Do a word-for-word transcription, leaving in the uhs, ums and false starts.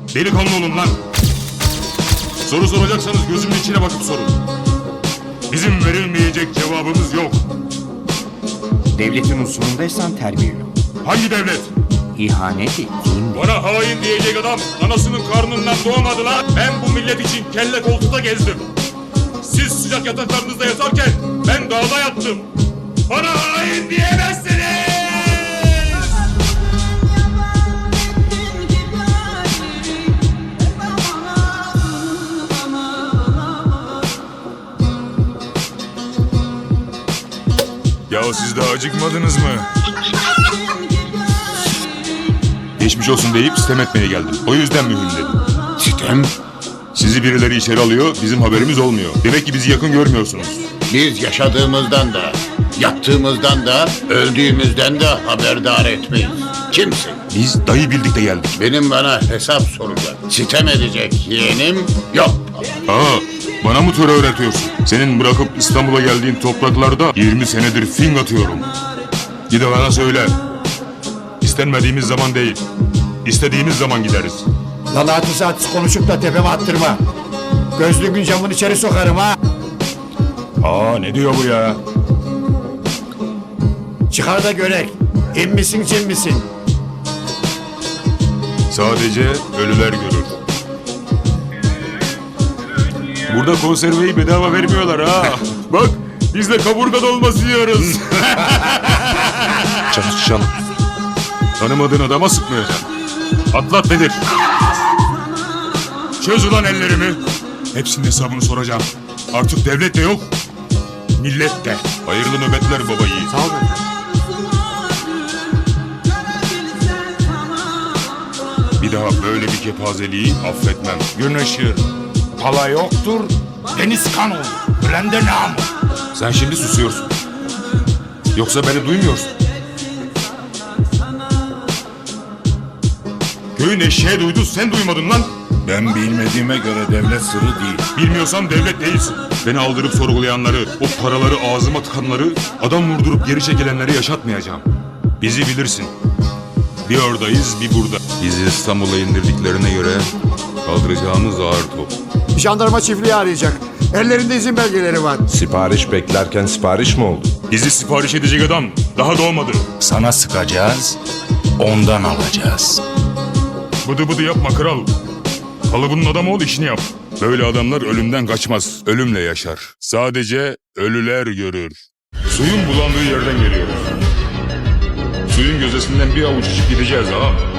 Delikanlı olun lan. Soru soracaksanız gözümün içine bakıp sorun. Bizim verilmeyecek cevabımız yok. Devletin unsurundaysan terbiyeli ol. Hangi devlet? İhanet ettiğin de. Bana hain diyecek adam anasının karnından doğmadı lan. Ben bu millet için kelle koltukta gezdim. Siz sıcak yataklarınızda yatarken ben dağda yattım. Bana hain diyemezsiniz. Ya siz daha acıkmadınız mı? Geçmiş olsun deyip sitem etmeye geldim. O yüzden mühim dedim. Sitem? Sizi birileri içeri alıyor, bizim haberimiz olmuyor. Demek ki bizi yakın görmüyorsunuz. Biz yaşadığımızdan da, yattığımızdan da, öldüğümüzden de haberdar etmeyiz. Kimsin? Biz dayı bildik de geldik. Benim bana hesap soracak, sitem edecek yeğenim yok. Aa, bana mı töre öğretiyorsun? Senin bırakıp İstanbul'a geldiğin topraklarda yirmi senedir fing atıyorum. Gide bana söyle. İstenmediğimiz zaman değil, istediğimiz zaman gideriz. Lan artist artist konuşup da tepeme attırma. Gözlüğün camını içeri sokarım ha. Aa, ne diyor bu ya? Çıkar da görek. İn misin cin misin? Sadece ölüler görür. Burada konserveyi bedava vermiyorlar ha. Bak, biz de kaburga dolması yiyoruz. Çalışalım. Tanımadığın adama sıkmayacaksın. Atlat nedir? Çöz ulan ellerimi. Hepsinin hesabını soracağım. Artık devlet de yok, millet de. Hayırlı nöbetler baba yiğit. Sağ ol efendim. Bir daha böyle bir kepazeliği affetmem. Gün ışır, pala yoktur, deniz kan olur. Ölen de namı. Sen şimdi susuyorsun. Yoksa beni duymuyorsun. Köyün eşeği duydu, sen duymadın lan. Ben bilmediğime göre devlet sırrı değil. Bilmiyorsan devlet değilsin. Beni aldırıp sorgulayanları, o paraları ağzıma tıkanları, adam vurdurup geri çekilenleri yaşatmayacağım. Bizi bilirsin. Bir oradayız, bir burada. Bizi İstanbul'a indirdiklerine göre kaldıracağımız ağır top. Jandarma çiftliği arayacak. Ellerinde izin belgeleri var. Sipariş beklerken sipariş mi oldu? Bizi sipariş edecek adam daha doğmadı. Sana sıkacağız, ondan alacağız. Bıdı bıdı yapma kral. Kalıbının adamı ol, işini yap. Böyle adamlar ölümden kaçmaz, ölümle yaşar. Sadece ölüler görür. Suyun bulandığı yerden geliyoruz. Suyun gözesinden bir avuç içip gideceğiz ha.